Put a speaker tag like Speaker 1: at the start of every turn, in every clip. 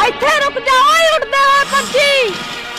Speaker 1: ਇੱਥੇ ਰੁਕ ਜਾ ਓਏ ਉੱਡਦੇ ਹੋਏ ਪੰਛੀ।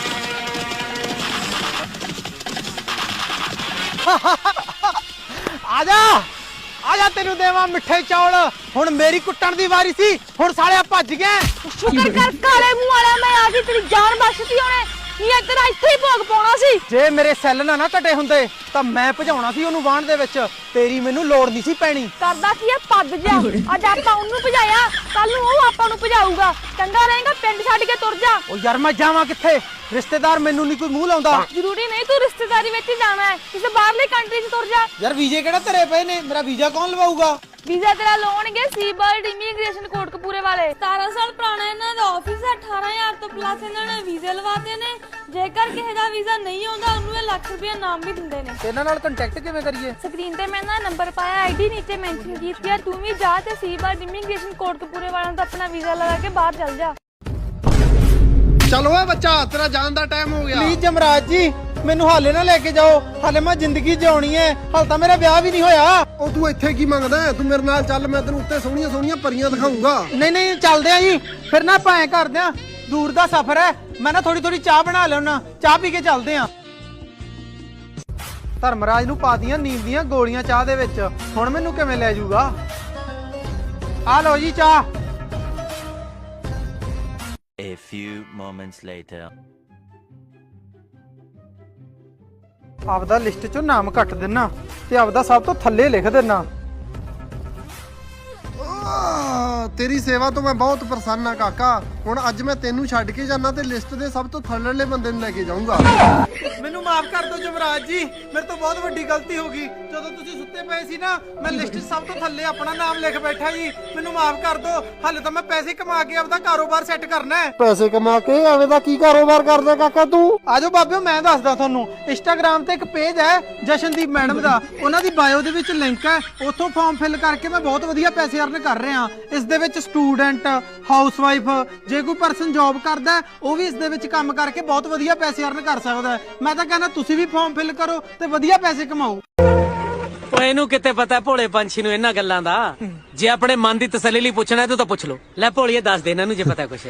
Speaker 2: आजा तेनू देवा मिठे चौल। हुण मेरी कुट्टण दी वारी सी, हुण साले भज गए।
Speaker 1: शुक्र कर काले मुंह वाला मैं आ गई, तेरी जान बचती होने ये तेरा इत्थे ही भोग पाउणा सी।
Speaker 2: जे मेरे सैल ना घटे हुंदे तां मैं भजाउणा सी ओनू वाहण दे विच, तेरी मैनू लोड़ नहीं सी पैणी।
Speaker 1: करदा की है पद जा, अज आपां ओनू भजाया कल नू ओ आपां नू भजाऊगा। चंगा रहेगा पिंड छड्ड के तुर जा।
Speaker 2: ओ यार मैं जावां कित्थे, रिश्तेदार मैनू नहीं कोई मुंह लाउंदा।
Speaker 1: जरूरी नहीं तू रिश्तेदारी विच ही जाना है, किसी बाहरली कंट्री च तुर जा।
Speaker 2: यार वीजे किहड़ा धरे पए ने, मेरा वीजा कौन लवाऊगा?
Speaker 1: वीजा तेरा लाउणगे सीबर्ड इमीग्रेशन कोटकपूरे वाले। 17 साल पुराना इन्हां दा ऑफिस है, 18,000 तो प्लस इन्हां ने वीजे लवाते ने। जेकर किसी दा वीजा नहीं आउंदा ओनू ये लाख रुपया नाम भी दिंदे ने।
Speaker 2: इन्हां नाल कांटेक्ट किवें करिए?
Speaker 1: स्क्रीन ते मैं ना नंबर पाया, आईडी नीचे मेंशन कीती है। तू भी जा ते सीबर्ड इमीग्रेशन कोटकपूरे वालों दा अपना वीजा लगा के बाहर चल जा।
Speaker 3: चलो ओए बच्चा, तेरा जान दा टाइम हो गया।
Speaker 2: प्लीज जमराज जी मैनू हाले ना लेके जाओ, हाले मैं जिंदगी जिउणी है, हाल तां मेरा ब्याह भी नहीं होया।
Speaker 3: ओ तू इत्थे की मंगदा है? तू मेरे नाल चल, मैं तेनू उत्ते सोहणियां सोहणियां परियां दिखाऊंगा।
Speaker 2: नहीं नहीं चलदे आ जी, फिर ना भाएं करदे आ, दूर दा सफर है। मैं ना थोड़ी थोड़ी चाह बना लेना, चाह पी के चलदे आ। धर्मराज नू पा दियां नींद दियां गोलियां चाह दे विच, हुण मैनू किवें ले जाऊगा? आ लो जी चाह।
Speaker 4: A few moments later.
Speaker 2: ਆਪਦਾ ਲਿਸਟ ਚੋਂ ਨਾਮ ਕੱਟ ਦੇਣਾ ਤੇ ਆਪਦਾ ਸਭ ਤੋਂ ਥੱਲੇ ਲਿਖ ਦੇਣਾ।
Speaker 3: तेरी सेवा तो मैं बहुत प्रसन्न हाँ काका। हुण अज मैं तेनू छड्ड के जाना ते लिस्ट दे सब तो थल्लेले बंदे नूं लेके जाऊंगा।
Speaker 2: ਮੈਨੂੰ ਮਾਫ ਕਰ ਦਿਓ ਜਮਰਾਜ ਜੀ, ਮੇਰੇ ਤੋਂ ਬਹੁਤ ਵੱਡੀ ਗਲਤੀ ਹੋ ਗਈ। ਜਦੋਂ ਤੁਸੀਂ ਸੁੱਤੇ ਪਏ ਸੀ ਨਾ, ਮੈਂ ਲਿਸਟ 'ਚ ਸਭ ਤੋਂ ਥੱਲੇ ਆਪਣਾ ਨਾਮ ਲਿਖ ਬੈਠਾ ਜੀ। ਮੈਨੂੰ ਮਾਫ ਕਰ ਦਿਓ, ਹਾਲੇ ਤਾਂ ਮੈਂ ਪੈਸੇ ਕਮਾ ਕੇ ਆਪਦਾ ਕਾਰੋਬਾਰ ਸੈੱਟ ਕਰਨਾ ਹੈ।
Speaker 3: पैसे कमा के एवें दा की कारोबार करदा काका तू?
Speaker 2: ਆਜੋ ਬਾਬਿਓ ਮੈਂ ਦੱਸਦਾ ਤੁਹਾਨੂੰ। ਇੰਸਟਾਗ੍ਰਾਮ ਤੇ ਇੱਕ ਪੇਜ ਹੈ ਜਸ਼ਨਦੀਪ ਮੈਡਮ ਦਾ, ਉਹਨਾਂ ਦੀ ਬਾਇਓ ਦੇ ਵਿੱਚ ਲਿੰਕ ਹੈ, ਉੱਥੋਂ ਫਾਰਮ ਫਿਲ ਕਰਕੇ ਮੈਂ ਬਹੁਤ ਵਧੀਆ ਪੈਸੇ ਅਰਨ ਕਰ ਰਿਹਾ। ਇਸ ਦੇ ਵਿੱਚ ਸਟੂਡੈਂਟ, ਹਾਊਸਵਾਈਫ, ਜੇ ਕੋਈ ਪਰਸਨ ਜੌਬ ਕਰਦਾ ਹੈ, ਉਹ ਵੀ ਇਸ ਦੇ ਵਿੱਚ ਕੰਮ ਕਰਕੇ ਬਹੁਤ ਵਧੀਆ ਪੈਸੇ ਅਰਨ ਕਰ ਸਕਦਾ ਹੈ। ਮੈਂ ਤਾਂ ਕਹਿੰਦਾ ਤੁਸੀਂ ਵੀ ਫਾਰਮ ਫਿਲ ਕਰੋ ਤੇ ਵਧੀਆ ਪੈਸੇ ਕਮਾਓ।
Speaker 5: ਓਏ ਇਹਨੂੰ ਕਿਤੇ ਪਤਾ ਭੋਲੇ ਪੰਛੀ ਨੂੰ ਇਹਨਾਂ ਗੱਲਾਂ ਦਾ। ਜੇ ਆਪਣੇ ਮਨ ਦੀ ਤਸੱਲੀ ਲਈ ਪੁੱਛਣਾ ਤੂੰ ਤਾਂ ਪੁੱਛ ਲੋ। ਲੈ ਭੋਲੀਏ ਦੱਸ ਦੇ ਇਹਨਾਂ ਨੂੰ ਜੇ ਪਤਾ ਕੁਛ।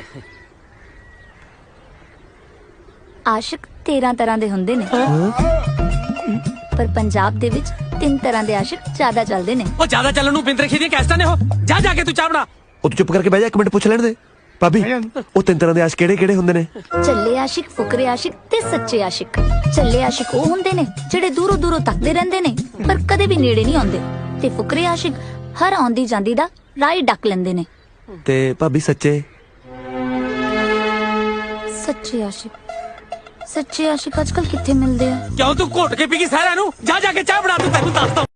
Speaker 6: ਆਸ਼ਿਕ 13 ਤਰ੍ਹਾਂ ਦੇ ਹੁੰਦੇ ਨੇ, ਪਰ ਪੰਜਾਬ ਦੇ ਵਿੱਚ 3 ਤਰ੍ਹਾਂ ਦੇ ਆਸ਼ਿਕ ਜ਼ਿਆਦਾ ਚੱਲਦੇ ਨੇ।
Speaker 5: ਉਹ ਜ਼ਿਆਦਾ ਚੱਲਣ ਨੂੰ ਬਿੰਦ ਰਖੀ ਦੀਆਂ ਕੈਸਟਾਂ ਨੇ। ਉਹ ਜਾ ਜਾ ਕੇ ਤੂੰ ਚਾਹ ਬਣਾ।
Speaker 7: ਉਹ ਤੂੰ ਚੁੱਪ ਕਰਕੇ ਬਹਿ ਜਾ, ਇੱਕ ਮਿੰਟ ਪੁੱਛ ਲੈਣ ਦੇ। ਭਾਬੀ ਉਹ 3 ਤਰ੍ਹਾਂ ਦੇ ਆਸ਼ਿਕ ਕਿਹੜੇ ਹੁੰਦੇ ਨੇ?
Speaker 6: ਚੱਲੇ ਆਸ਼ਿਕ, ਫੁਕਰੇ ਆਸ਼ਿਕ ਤੇ ਸੱਚੇ ਆਸ਼ਿਕ। ਚੱਲੇ ਆਸ਼ਿਕ ਉਹ ਹੁੰਦੇ ਨੇ ਜਿਹੜੇ ਦੂਰੋਂ ਦੂਰੋਂ ਤੱਕਦੇ ਰਹਿੰਦੇ ਨੇ ਪਰ ਕਦੇ ਵੀ ਨੇੜੇ ਨਹੀਂ ਆਉਂਦੇ, ਤੇ ਫੁਕਰੇ ਆਸ਼ਿਕ ਹਰ ਆਉਂਦੀ ਜਾਂਦੀ ਦਾ ਰਾਹ ਹੀ ਡੱਕ ਲੈਂਦੇ ਨੇ।
Speaker 7: ਤੇ ਭਾਬੀ ਸੱਚੇ?
Speaker 6: ਸੱਚੇ ਆਸ਼ਿਕ, ਸੱਚੇ ਆਸ਼ਿਕ ਅੱਜਕੱਲ ਕਿੱਥੇ ਮਿਲਦੇ ਆ?
Speaker 5: ਕਿਉਂ ਤੂੰ ਘੁੱਟ ਕੇ ਪੀ ਗਈ ਸਾਰਿਆਂ ਨੂੰ? ਜਾ ਜਾ ਕੇ ਚਾਹ ਬਣਾ, ਤੂੰ ਤੈਨੂੰ ਦੱਸਦਾ।